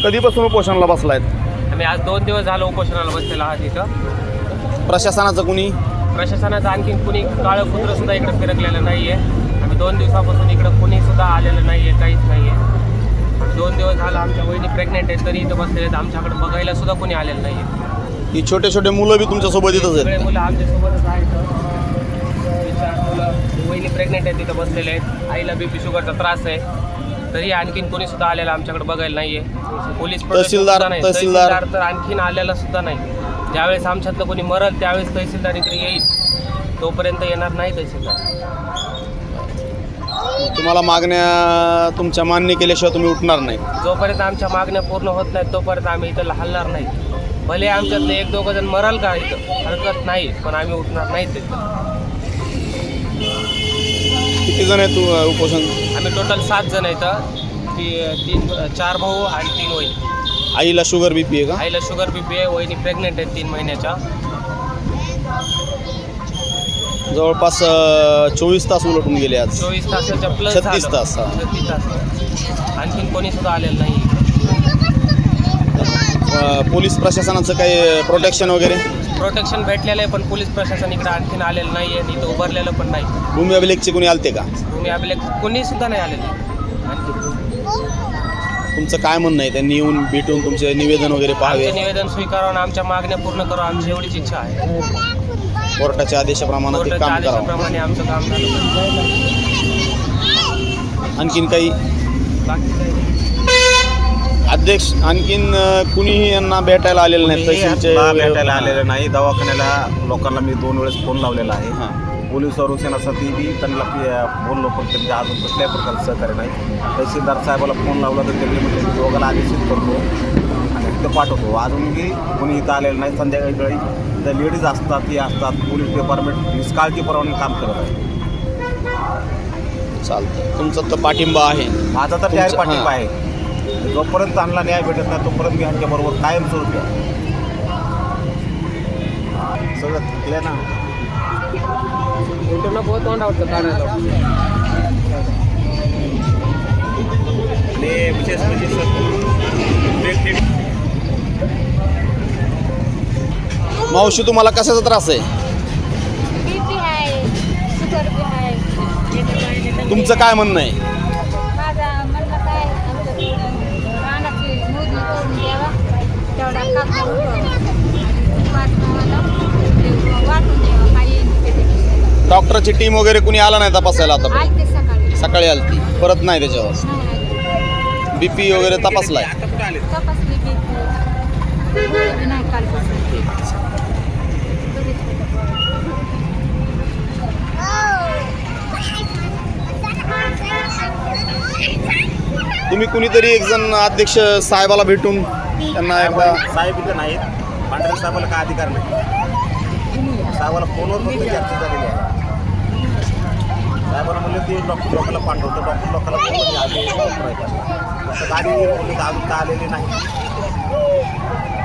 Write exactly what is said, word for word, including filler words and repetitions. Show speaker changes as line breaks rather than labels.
कधीपासून उपोषणाला बसलायत?
आम्ही आज दोन दिवस झालो उपोषणाला बसलेला आहात इथं.
प्रशासनाचं कुणी
प्रशासनाचं आणखीन कुणी काळं कुत्रं सुद्धा इकडे फिरकलेलं नाही आहे. आम्ही दोन दिवसापासून इकडं कुणी सुद्धा आलेलं नाही आहे, काहीच नाही आहे. आम्ही दोन दिवस झालं आमच्या वहिनी प्रेग्नेंट आहेत तरी इथं बसलेले आहेत. आमच्याकडे बघायला सुद्धा कोणी आलेलं नाही आहे.
ही छोटे छोटे मुलं बी तुमच्यासोबत इथंच
सगळे
आहेत?
मुलं आमच्यासोबतच आहेत. हे चार मुलं वहिनी प्रेग्नेंट आहेत तिथं बसलेले आहेत. आईला बी पी शुगरचा त्रास आहे तरी आणखीन कोणी सुद्धा आलेलं आमच्याकडे बघायला नाही आहे. पोलीस
तहसीलदार
नाही
तहसीलदार
तहसीलदार तर आणखीन आलेला सुद्धा नाही. ज्यावेळेस आमच्यातलं कोणी मरल त्यावेळेस तहसीलदार इकडे येईल, तोपर्यंत येणार नाही तहसीलदार.
तुम्हाला मागण्या तुमच्या मान्य केल्याशिवाय तुम्ही उठणार नाही?
जोपर्यंत आमच्या मागण्या पूर्ण होत नाहीत तोपर्यंत आम्ही इथं हलणार नाही. भले आमच्यातलं एक दोघं जण मराल का इथं हरकत नाही, पण आम्ही उठणार नाहीत इथं.
किती जण आहेत तू उपोषण?
आम्ही टोटल सात जण आहेत. ती तीन चार भाऊ आणि तीन वहिनी.
आईला शुगर बीपी आहे का?
आईला शुगर बीपी आहे, वहिनी प्रेग्नेंट आहेत तीन महिन्याच्या.
जवळपास चोवीस तास उलटून गेले आज.
चोवीस तासाच्या प्लस
छत्तीस तास हा.
छत्तीस तास आणखीन कोणी सुद्धा आलेलं नाही.
अ, पोलीस प्रशासनाचं काही प्रोटेक्शन वगैरे?
प्रोटेक्शन भेटलेलं आहे पण पोलीस प्रशासन इकडे आणखीन आलेलं नाही आहे, इथं उभारलेलं पण नाही.
भूमी अभिलेखचे कोणी आलते का?
तुम्ही अभिलेख कोणी सुद्धा नाही आलेलं आणखी.
तुमचं काय म्हणणं आहे? त्यांनी येऊन भेटून तुमचे निवेदन वगैरे पाहावे,
आमचे निवेदन स्वीकारावं, आमच्या मागण्या पूर्ण करावं, आमची एवढीच इच्छा आहे.
कोर्टाच्या आदेशाप्रमाणे ते
कोर्टाच्या
काम करावं.
आदेशाप्रमाणे आमचं काम झालं पाहिजे.
आणखीन काही
बाकी काही नाही.
अध्यक्ष आणखीन अ, कुणीही यांना भेटायला आलेलं नाही? तहसीलचे
मला भेटायला आलेलं नाही. दवाखान्याला लोकांना मी दोन वेळेस फोन लावलेला आहे.
हां.
पोलीस संरक्षणासाठी बी त्यांना पी- बोललो पण त्यांचे अजून कुठल्याही प्रकारचं सहकार्य नाही. तहसीलदार साहेबाला फोन लावला तर त्यांनी म्हणजे मी दोघांना आदेशित करतो आणि तिथं पाठवतो. अजूनही कोणी इथं आलेलं नाही. संध्याकाळी वेळी त्या लेडीज असतात, ती असतात. पोलीस डिपार्टमेंट निष्काळजीपणाने काम करत आहे.
चालतं, तुमचा तर पाठिंबा आहे.
माझा तर न्याय
तुमचं-
पाठिंबा आहे. जोपर्यंत चांगला न्याय भेटत नाही तोपर्यंत मी ह्यांच्याबरोबर कायम स्वरूपी आहे. सगळं थकले ना.
इंटरनेट बहुत तोंड आवडतं काढायला.
आणि विशेष म्हणजे
मावशी, तुम्हाला कशाचा त्रास आहे?
बीपी आहे, शुगर बी आहे.
तुमचं काय म्हणणं आहे?
माझा म्हणणं काय आमच्या रानाची मोजणी करून द्यावा, तेवढा कागद वाटून वाटून द्यावा. काही
डॉक्टरची टीम वगैरे कुणी आला नाही तपासायला? आता
आलते सकाळी
सकाळी आलती, परत नाही त्याच्यावर
नाही
बीपी वगैरे तपासलाय?
तपासली बीपी गोळी बी नाही कालपासून.
तुम्ही कुणीतरी एक जण अध्यक्ष साहेबाला भेटून त्यांना एकदा
साहेब इथं नाहीत. पांढरे साहेबाला काय अधिकार नाही. साहेबाला फोनवर फक्त चर्चा झालेली आहे. साहेबांना म्हणलं ते डॉक्टर लोकांना पाठवतो. डॉक्टर लोकांना फोन आले गाडी बोलले तर अजून का आलेली नाही.